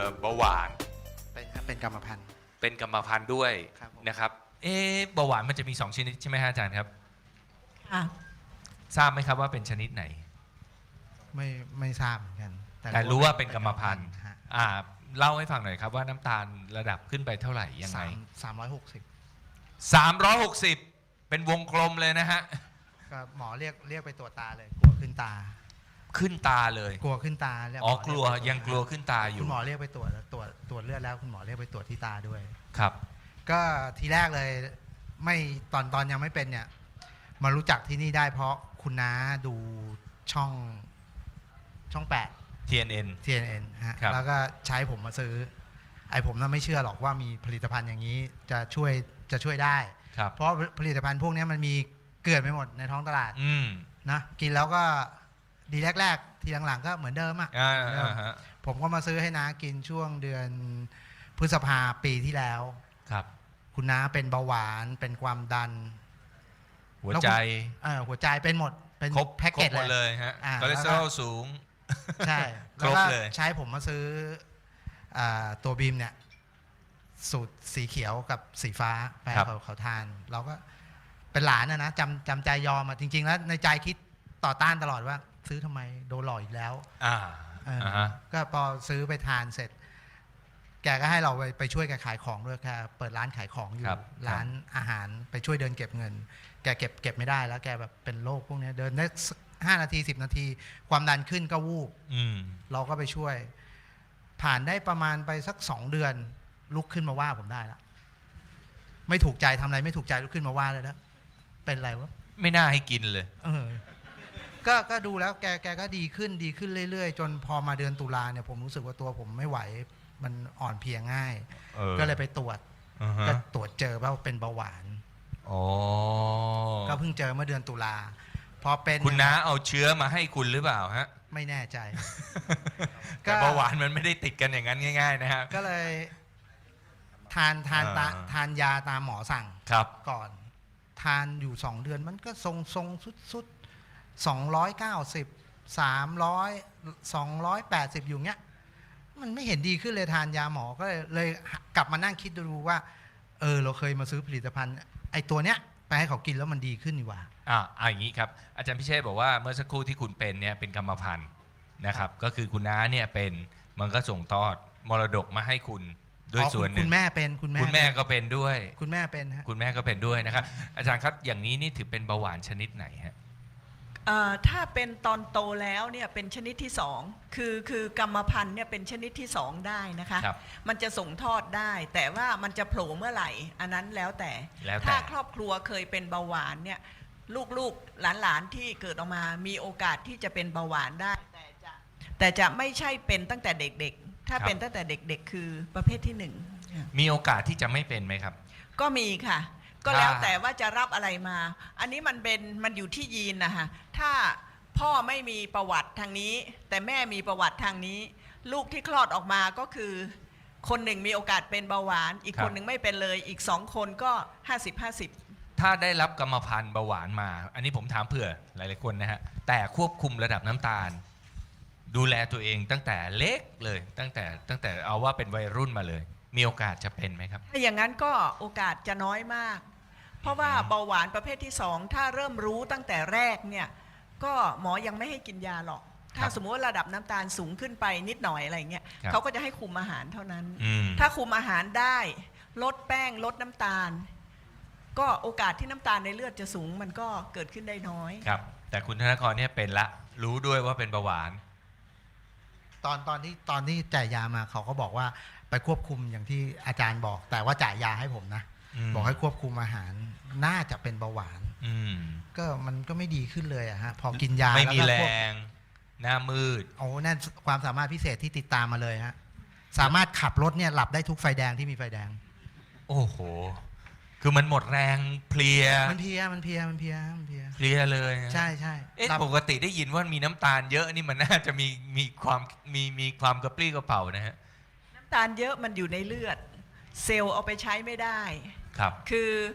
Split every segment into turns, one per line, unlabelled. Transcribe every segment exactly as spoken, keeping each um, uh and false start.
เบาหวาน
เป็นครับเป็นกรรมพันธุ์
เป็นกรรมพันธุ์ด้วย
ครับผม
นะครับเอ๊ะเบาหวานมันจะมีสองชนิดใช่ไหมฮะอาจารย์ครับ
ค่ะ
ทราบไหมครับว่าเป็นชนิดไหน
ไม่ไม่ทราบเหมือนกัน
แต่รู้ว่าเป็นกรรมพันธุ์
ฮะ
อ่าเล่าให้ฟังหน่อยครับว่าน้ำตาลระดับขึ้นไปเท่าไหร่ยังไง
สามสามร้อยหกสิบ
สามร้อยหกสิบเป็นวงกลมเลยนะฮะ
ก็หมอเรียกเรียกไปตรวจตาเลยกลัวขึ้นตา
ขึ้นตาเลย
กลัวขึ้นตาเรีย
อ๋อ
หม
กลัว
เรีไปตรจ
ยังกลัวขึ้นตาอยู่
คุณหมอเรียกไปตรวจตรวจตรวจเลือดแล้วคุณหมอเรียกไปตรวจที่ตาด้วย
ครับ
ก็ทีแรกเลยไม่ตอนตอนยังไม่เป็นเนี่ยมารู้จักที่นี่ได้เพราะคุณน้าดูช่องช่องแปด
ที เอ็น เอ็น
ที เอ็น เอ็น ฮะ
ครับ
แล้วก็ใช้ผมมาซื้อไอ้ผมน่ะไม่เชื่อหรอกว่ามีผลิตภัณฑ์อย่างนี้จะช่วยจะช่วยได้
ครับ
เพราะผลิตภัณฑ์พวกนี้มันมีเกลื่อนไปหมดในท้องตลาด
อืม
นะกินแล้วก็ดีแรกๆ ทีหลังๆก็เหมือนเดิมอ่ะ
อ่า
เหมือนเดิม
อ่าฮะ
ผมก็มาซื้อให้น้ากินช่วงเดือนพฤษภาปีที่แล้ว
ครับ
คุณน้าเป็นเบาหวานเป็นความดัน
หัวใจ
เออหัวใจเป็นหมดเป็น
ครบ
แพ็ก
ค
เก
ร
จ
บหมด
เล
เลย ยฮะ
อ่า
คอเลสเตอรอลสูง
ใช่
ครบ
แล้วก็
เลย
ใช้ผมมาซื้ออ่าตัวบีมเนี่ยสูตรสีเขียวกับสีฟ้าไปให้เขาเขาทาน เราก็เป็นหลานนะนะจำจำใจยอมอ่ะจริง ๆ แล้วในใจคิดต่อต้านตลอดว่า ซื้อทำไมโดนหลอกอีกแล้ว
อ่า
เออ
อ่าฮะ
ก็พอซื้อไปทานเสร็จ แกก็ให้เราไปไปช่วยแกขายของด้วยแกเปิดร้านขายของอยู่
ครับ
ร้านอาหารไปช่วยเดินเก็บเงิน แกเก็บเก็บไม่ได้แล้วแกแบบเป็นโรคพวกเนี้ยเดินได้ห้านาทีสิบนาที ความดันขึ้นก็วูบ
อืม
เราก็ไปช่วย ผ่านได้ประมาณไปสักสองเดือน ลุกขึ้นมาว่าผมได้แล้วไม่ถูกใจทำอะไรไม่ถูกใจลุกขึ้นมาว่าเลยแล้วเป็นไรวะ
ไม่น่าให้กินเลย
เออก็ก็ดูแล้วแกแกก็ดีขึ้นดีขึ้นเรื่อยๆ จนพอมาเดือนตุลาเนี่ยผมรู้สึกว่าตัวผมไม่ไหว มันอ่อนเพลียง่าย
เออ
ก็เลยไปตรวจ
อ่าฮะ
ก็ตรวจเจอว่าเป็นเบาหวาน
อ๋อ
ก็เพิ่งเจอเมื่อเดือนตุลาพอเป็น
คุณน้าเอาเชื้อมาให้คุณหรือเปล่าฮะ
ไม่แน่ใจ ก็
แต่เบาหวานมันไม่ได้ติดกันอย่างนั้นง่าย ๆ นะครับ
ก็เลย ทานทานตา
อ่า
ทานยาตามหมอสั่ง
ครับ
ก่อน ทานอยู่สองเดือนมันก็ทรงทรงสุดสุดสองร้อยเก้าสิบสามร้อยสองร้อยแปดสิบอยู่เงี้ย มันไม่เห็นดีขึ้นเลยทานยาหมอก็เลยเลยกลับมานั่งคิดดูว่า เออ เราเคยมาซื้อผลิตภัณฑ์ ไอ้ตัวเนี้ยไปให้เขากินแล้วมันดีขึ้นนี่หว่า
อ่าเอาอย่างนี้ครับอาจารย์พิเชษบอกว่าเมื่อสักครู่ที่คุณเป็นเนี่ยเป็นกรรมพันธุ์นะครับ ก็คือคุณน้าเนี่ยเป็นมันก็ส่งทอดมรดกมาให้คุณด้วย
อ๋อ
ส่วนหนึ่
คุ
ง
ณแม่เป็นคุณแม่
คุณแม่ก็เป็นด้วย
คุณแม่เป็นฮะ
คุณแม่ก็เป็นด้วยนะครับ อาจารย์ครับอย่างนี้นี่ถือเป็นเบาหวานชนิดไหนฮะ
เอ่อถ้าเป็นตอนโตแล้วเนี่ยเป็นชนิดที่สองคือคือกรรมพันธุ์เนี่ยเป็นชนิดที่สองได้นะคะ
ครับ
มันจะส่งทอดได้ แต่ว่ามันจะโผล่เมื่อไหร่ อันนั้นแล้วแต่
แล้วแต่
ถ้าครอบครัวเคยเป็นเบาหวานเนี่ยลูกๆหลานๆที่เกิดออกมามีโอกาสที่จะเป็นเบาหวานได้ แต่จะแต่จะไม่ใช่เป็นตั้งแต่เด็กๆ ถ้าเป็นตั้งแต่เด็กๆ คือประเภทที่หนึ่ง
มีโอกาสที่จะไม่เป็นไหมครับ
ก็มีค่ะ ก็
ถ้า
แล้วแต่ว่าจะรับอะไรมา อันนี้มันเป็นมันอยู่ที่ยีนนะคะถ้าพ่อไม่มีประวัติทางนี้ แต่แม่มีประวัติทางนี้ ลูกที่คลอดออกมาก็คือ คนหนึ่งมีโอกาสเป็นเบาหวาน อีกคนหนึ่งไม่เป็นเลย อีกสองคนก็ห้าสิบห้าสิบ
ถ้าได้รับกรรมพันธุ์เบาหวานมา อันนี้ผมถามเผื่อหลายๆคนนะฮะแต่ควบคุมระดับน้ำตาล ดูแลตัวเองตั้งแต่เล็กเลย ตั้งแต่ตั้งแต่เอาว่าเป็นวัยรุ่นมาเลย มีโอกาสจะเป็นไหมครับ
ถ้าอย่างนั้นก็โอกาสจะน้อยมาก เพราะว่าเบาหวานประเภทที่สองถ้าเริ่มรู้ตั้งแต่แรกเนี่ยก็หมอยังไม่ให้กินยาหรอก ถ้าสมมติว่าระดับน้ำตาลสูงขึ้นไปนิดหน่อยอะไรเงี้ย
ครับ
เขาก็จะให้คุมอาหารเท่านั้น
อืม
ถ้าคุมอาหารได้ลดแป้งลดน้ำตาล ก็โอกาสที่น้ำตาลในเลือดจะสูงมันก็เกิดขึ้นได้น้อย
ครับ แต่คุณธนกรเนี่ยเป็นละ รู้ด้วยว่าเป็นเบาหวาน
ตอนตอนที่ตอนที่จ่ายยามาเขาก็บอกว่าไปควบคุมอย่างที่อาจารย์บอก แต่ว่าจ่ายยาให้ผมนะ
อืม
บอกให้ควบคุมอาหาร น่าจะเป็นเบาหวาน
อืม
ก็มันก็ไม่ดีขึ้นเลยอะฮะพอกินยา
ไม่มี
ล้ว
แร
ก็ควบ
ง หน้ามืด
โอ้นั่นความสามารถพิเศษที่ติดตามมาเลยฮะสามารถขับรถเนี่ยหลับได้ทุกไฟแดงที่มีไฟแดง
โอ้โห คือมันหมดแรงเพลีย
มันเพลียมันเพลียมันเพลียมันเพลีย
เพลียเลยนะ
ใช่ใช่
เอ๊ะ
หลับ
ปกติได้ยินว่ามีน้ำตาลเยอะนี่มันน่าจะมีมีความมีมีความกระปรี้กระเป๋านะฮะ
น้ำตาลเยอะมันอยู่ในเลือด เซลล์เอาไปใช้ไม่ได้
ครับ
คือ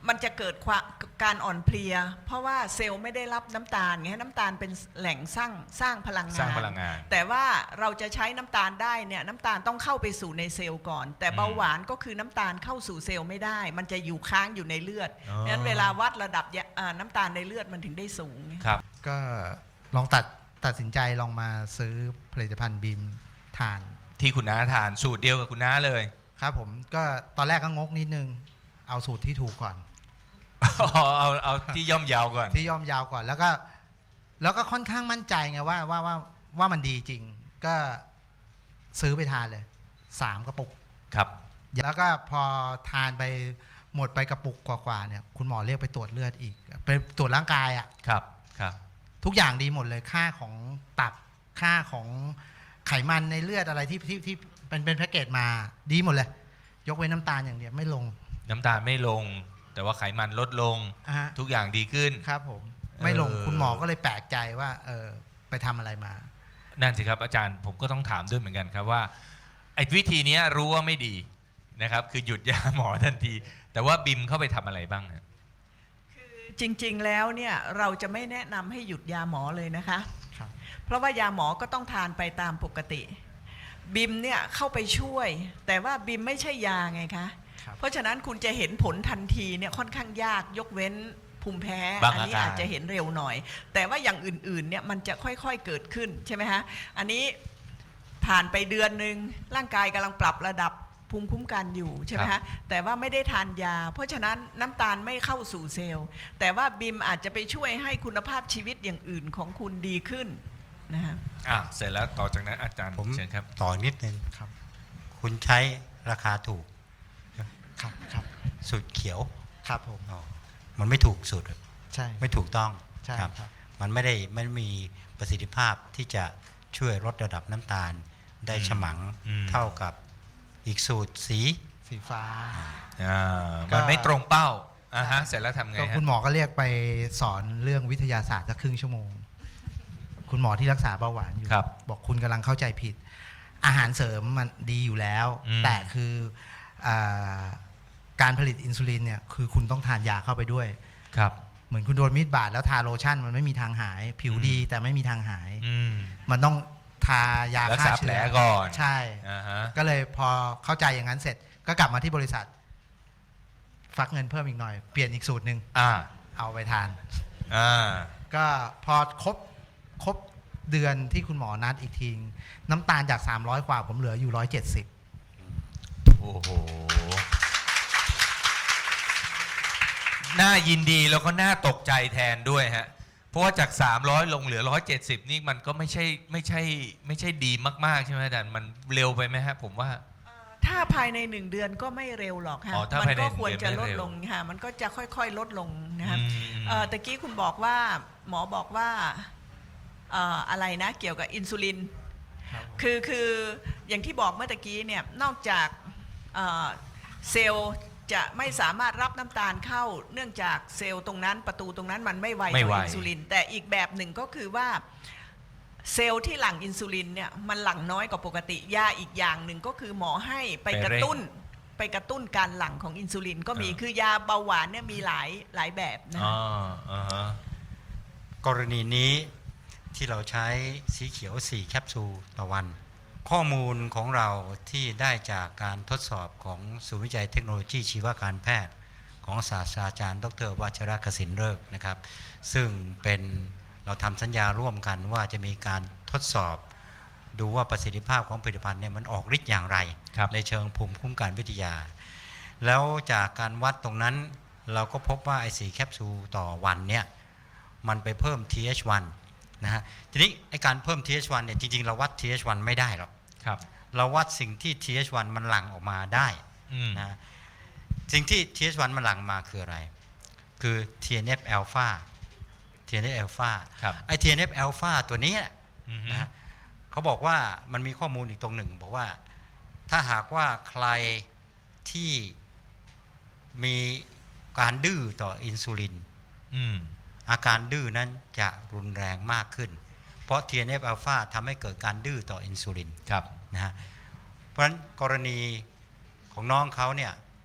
มันจะเกิดความการอ่อนเพลีย เพราะว่าเซลล์ไม่ได้รับน้ำตาลไงน้ำตาลเป็นแหล่งสร้างสร้างพลังงาน
สร้างพลังงาน
แต่ว่าเราจะใช้น้ำตาลได้เนี่ยน้ำตาลต้องเข้าไปสู่ในเซลล์ก่อน แต่เบาหวานก็คือน้ำตาลเข้าสู่เซลล์ไม่ได้ มันจะอยู่ค้างอยู่ในเลือด
อ๋อ
งั้นเวลาวัดระดับยาอ่าน้ำตาลในเลือดมันถึงได้สูง
ครับ
ก็ลองตัดตัดสินใจลองมาซื้อผลิตภัณฑ์บีมทาน
ที่คุณน้าทานสูตรเดียวกับคุณน้าเลย
ครับผมก็ตอนแรกก็งกนิดนึง เอาสูตรที่ถูกก่อน
เอาเอาเอาที่ย่อมเยาวก่อน
ที่ย่อมยาวก่อนแล้วก็แล้วก็ค่อนข้างมั่นใจไงว่าว่าว่าว่ามันดีจริง ก็ซื้อไปทานเลยสามกระปุก
ครับ
แล้วก็พอทานไปหมดไปกระปุกกว่าๆเนี่ยคุณหมอเรียกไปตรวจเลือดอีกไปตรวจร่างกายอะ
ครับครับ
ทุกอย่างดีหมดเลยค่าของตับค่าของไขมันในเลือดอะไรที่ที่ที่เป็นเป็นแพ็กเกจมาดีหมดเลย ยกเว้นน้ำตาลอย่างเดียวไม่ลง
น้ำตาลไม่ลง แต่ว่าไขมันลดลง
อ่ะฮะ
ทุกอย่างดีขึ้น
ครับผมไม่ลง
เออ
คุณหมอก็เลยแปลกใจว่าเออไปทำอะไรมา
นั่นสิครับอาจารย์ผมก็ต้องถามด้วยเหมือนกันครับว่าไอ้วิธีเนี้ยรู้ว่าไม่ดีนะครับ คือหยุดยาหมอทันที แต่ว่าบิมเข้าไปทำอะไรบ้างฮะ
คือจริงๆแล้วเนี่ยเราจะไม่แนะนำให้หยุดยาหมอเลยนะคะ
ครับ
เพราะว่ายาหมอก็ต้องทานไปตามปกติบิมเนี่ยเข้าไปช่วย แต่ว่าบิมไม่ใช่ยาไงคะ
ครับ
เพราะฉะนั้นคุณจะเห็นผลทันทีเนี่ยค่อนข้างยากยกเว้นภูมิแพ้
บาง
อันี้
อาการ
อาจจะเห็นเร็วหน่อย แต่ว่าอย่างอื่นๆเนี่ยมันจะค่อยๆเกิดขึ้นใช่ไหมฮะอันนี้ผ่านไปเดือนหนึ่งร่างกายกำลังปรับระดับภูมิคุ้มกันอยู่ใช่ไหมฮะแต่ว่าไม่ได้ทานยา เพราะฉะนั้นน้ำตาลไม่เข้าสู่เซลล์ แต่ว่าบิมอาจจะไปช่วยให้คุณภาพชีวิตอย่างอื่นของคุณดีขึ้นนะฮะ
อ่ะเสร็จแล้วต่อจากนั้นอาจารย์
ผม
เชิญครับ
ต่อนิดนึง
ครับ
คุณใช้ราคาถูก
ครับครับ
สูตรเขียว
ครับผม
อ๋อมันไม่ถูกสูตร
ใช่
ไม่ถูกต้อง
ใช่
ครับ
ครับ
มันไม่ได้ไม่มีประสิทธิภาพที่จะช่วยลดระดับน้ำตาลได้
อืม
ฉมัง
อืม
เท่ากับอีกสูตรสี
สีฟ้า
อ่า
ก็
มันไม่ตรงเป้าอ่าฮะเสร็จแล้วทำไง
ก็
ฮะ
คุณหมอก็เรียกไปสอนเรื่องวิทยาศาสตร์สักครึ่งชั่วโมง คุณหมอที่รักษาเบาหวานอยู่
ครับ
บอกคุณกำลังเข้าใจผิด อาหารเสริมมันดีอยู่แล้ว
อืม
แต่คืออาการผลิตอินซูลินเนี่ยคือคุณต้องทานยาเข้าไปด้วย
ครับ
เหมือนคุณโดนมีดบาดแล้วทาโลชั่นมันไม่มีทางหาย ผิวดีแต่ไม่มีทางหาย
อืม
มันต้องทายา
รัก
ฆ่า
ษา
เชื้
แผล
อ
ก่อน
ใช่
อ่าฮะ
ก็เลยพอเข้าใจอย่างนั้นเสร็จ ก็กลับมาที่บริษัท ฟักเงินเพิ่มอีกหน่อย เปลี่ยนอีกสูตรหนึ่ง
อ่า
เอาไปทาน
อ่า
ก็พอครบครบเดือนที่คุณหมอนัดอีกทีน้ำตาลจาก สามร้อย กว่าผมเหลืออยู่ หนึ่งร้อยเจ็ดสิบ
โอ้โห น่ายินดีแล้วก็น่าตกใจแทนด้วยฮะ เพราะว่าจาก สามร้อย ลงเหลือ หนึ่งร้อยเจ็ดสิบ นี่มันก็ไม่ใช่ไม่ใช่ไม่ใช่ดีมากๆใช่ไหมอาจารย์มันเร็วไปไหมฮะผมว่า
ถ้าภายในหนึ่งเดือนก็ไม่เร็วหรอกค่ะ
อ๋อถ้า
มั
ภายใน
ก็
หนึ่ง
ควรจะ
เดือน
ล
ไม่
ด
เร็ว
ลงค่ะมันก็จะค่อยๆลดลงนะครับ
อืม
เอ่อตะกี้คุณบอกว่าหมอบอกว่าเอ่ออะไรนะเกี่ยวกับอินซูลิน คือคืออย่างที่บอกเมื่อตะกี้เนี่ยนอกจากเอ่อเซลล์จะไม่สามารถรับน้ำตาลเข้า เนื่องจากเซลล์ตรงนั้นประตูตรงนั้นมันไม่ไว
ไม่
ต่
ไว
ออินซูลิน แต่อีกแบบหนึ่งก็คือว่าเซลล์ที่หลั่งอินซูลินเนี่ยมันหลั่งน้อยกว่าปกติยาอีกอย่างหนึ่งก็คือหมอให้ไปกระตุ้นไปกระตุ้นการหลั่งของอินซูลินก็มีคือยาเบาหวานเนี่ยมีหลายหลายแบบนะ
อ๋
คะ
ออ่าฮะ
กรณีนี้ที่เราใช้สีเขียวสี่แคปซูลต่อวัน ข้อมูลของเราที่ได้จากการทดสอบของศูนย์วิจัยเทคโนโลยีชีวการแพทย์ ของศาสตราจารย์ดรวัชรกสินเลิกษ์นะครับ ซึ่งเป็นเราทำสัญญาร่วมกันว่าจะมีการทดสอบ ดูว่าประสิทธิภาพของผลิตภัณฑ์เนี่ยมันออกฤทธิ์อย่างไร
ครับ
ในเชิงภูมิคุ้มกันวิทยา แล้วจากการวัดตรงนั้นเราก็พบว่าไอสี่แคปซูลต่อวันเนี่ยมันไปเพิ่ม ที เอช วัน นะฮะทีนี้ไอการเพิ่ม ที เอช วันเนี่ยจริงๆเราวัด ที เอช วัน ไม่ได้หรอก
ครับ
เราวัดสิ่งที่ ที เอช วัน มันหลั่งออกมาได้
อืม
นะสิ่งที่ ที เอช วัน มันหลั่งมาคืออะไร คือ ที เอ็น เอฟ alpha ที เอ็น เอฟ alpha
ครับ
ไอ ที เอ็น เอฟ alpha ตัวนี้
อืม
นะฮะเขาบอกว่ามันมีข้อมูลอีกตรงหนึ่ง บอกว่าถ้าหากว่าใครที่มีการดื้อต่ออินซูลิน
อืม
อาการดื้อนั้นจะรุนแรงมากขึ้น เพราะ ที เอ็น เอฟ alpha ทำให้เกิดการดื้อต่ออินซูลิน
ครับ
นะฮะเพราะฉะนั้นกรณีของน้องเขาเนี่ย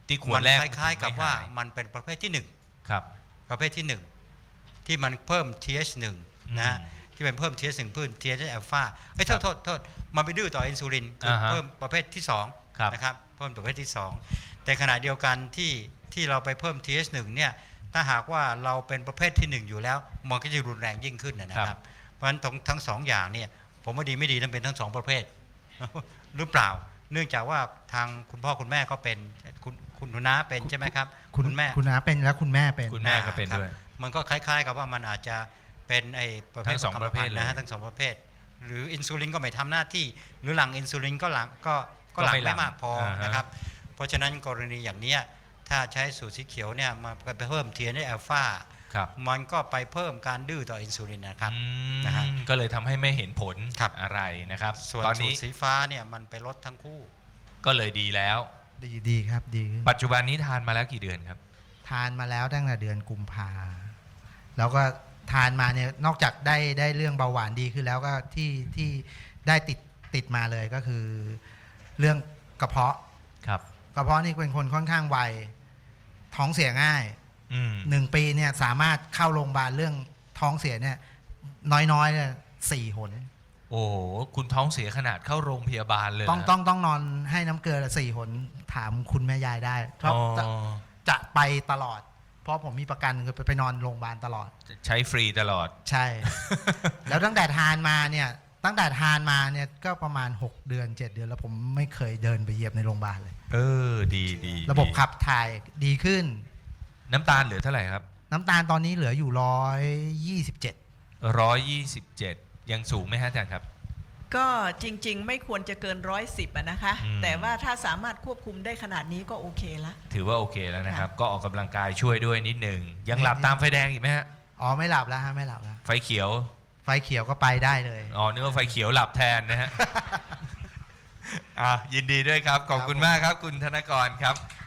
ที่ขว
มั
ด
น
แรก
คล้ายๆกับ
ไม่
ว่า
หย
มันเป็นประเภทที่หนึ่ง
ครับ
ประเภทที่หนึ่งที่มันเพิ่ม ที เอช หนึ่ง นะฮะ
อืม
ที่เป็นเพิ่ม ที เอช หนึ่ง เพิ่ม ที เอช อัลฟาเอ้ยโท
ครั
ษ
บ
โทษโทษมันไปดื้อต่ออินซูลินคือ
อ่าฮะ
เพิ่มประเภทที่สอง
ครับ
นะครับเพิ่มประเภทที่สองแต่ขณะเดียวกันที่ที่เราไปเพิ่ม ที เอช หนึ่ง เนี่ยถ้าหากว่าเราเป็นประเภทที่หนึ่งอยู่แล้วมันก็จะรุนแรงยิ่งขึ้นนะนะครับเพราะฉะนั้นทั้งทั้งสองอย่างเนี่ยผมว่าดีไม่ดีต้องเป็นทั้งสองประเภท หรือเปล่า เนื่องจากว่าทางคุณพ่อคุณแม่ก็เป็นคุณคุณหนูน้าเป็นใช่ไหมครับ
คุณ
แม่
คุณน้าเป็นแล้วคุณแม่เป็น
คุณแม่ก็เป็น
ครับ
ด้วย
มันก็คล้ายๆ กับว่ามันอาจจะเป็นไอ้ประเภท
ทั้งสอง
ข
ประเภท
กมพันธุ์นะฮะ
เลย
ทั้งสองประเภท หรืออินซูลินก็ไม่ทำหน้าที่ หรือหลังอินซูลินก็หลังก็ก็หลัง
ก็ไม่หลั่
ไม่
ง
มากพอ
อ่าฮะ
นะครับ เพราะฉะนั้นกรณีอย่างเนี้ยถ้าใช้สูตรสีเขียวเนี่ยมาไปเพิ่ม ที เอ็น เอช อัลฟา
ครับ
มันก็ไปเพิ่มการดื้อต่ออินซูลินนะครับ
อืม
นะฮะ
ก็เลยทำให้ไม่เห็นผล
ครับ
อะไรนะครับ
ส่วน
ตอน
สู
นี้
ตรสีฟ้าเนี่ยมันไปลดทั้งคู่
ก็เลยดีแล้ว
ดีดีครับดีขึ้น
ปัจจุบันนี้ทานมาแล้วกี่เดือนครับ
ทานมาแล้วตั้งแต่เดือนกุมภาแล้วก็ทานมาเนี่ยนอกจากได้ได้เรื่องเบาหวานดีขึ้นแล้วก็ที่ที่ได้ติดติดมาเลยก็คือ เรื่องกระเพาะ
ครับ
กระเพาะนี่เป็นคนค่อนข้างไวท้องเสียง่าย
อืม
หนึ่งปีเนี่ยสามารถเข้าโรงพยาบาลเรื่องท้องเสียเนี่ยน้อยๆเนี่ยสี่หน
โอ้โหคุณท้องเสียขนาดเข้าโรงพยาบาลเลย
ต้อง
นะ
ต้องต้องนอนให้น้ำเกลือสี่หนถามคุณแม่ยายได้เพราะ
อ๋อ
จะจะไปตลอด เพราะผมมีประกันคือไปไปนอนโรงพยาบาลตลอด
ใช้ฟรีตลอด
ใช่ แล้วตั้งแต่ทานมาเนี่ยตั้งแต่ทานมาเนี่ยก็ประมาณหกเดือนเจ็ดเดือนแล้วผมไม่เคยเดินไปเหยียบในโรงพยาบาลเลย
เออ ดีดี
ระบบ
ดี
ขับถ่ายดีขึ้น
น้ำตาลเหลือเท่าไหร่ครับ
น้ำตาลตอนนี้เหลืออยู่ร้อยยี่สิบเจ็ด
ร้อยยี่สิบเจ็ดยังสูงไหมฮะอาจารย์ครับ
ก็จริงๆ ไม่ควรจะเกินร้อยสิบนะคะ
อืม
แต่ว่าถ้าสามารถควบคุมได้ขนาดนี้ก็โอเคละ
ถือว่าโอเคแล้วนะครับ
ค่ะ
ก็ออกกำลังกายช่วยด้วยนิดหนึ่ง ยังหลับตามไฟแดงอีกไหมฮะ
อ๋อไม่หลับแล้วฮะไม่หลับแล้ว
ไฟเขียว
ไฟเขียวก็ไปได้เลย
อ๋อนึกว่าไฟเขียวหลับแทนนะฮะ อ่ะยินดีด้วยครับ ขอบคุณ
ครับผม
มากครับ คุณธนกรครับ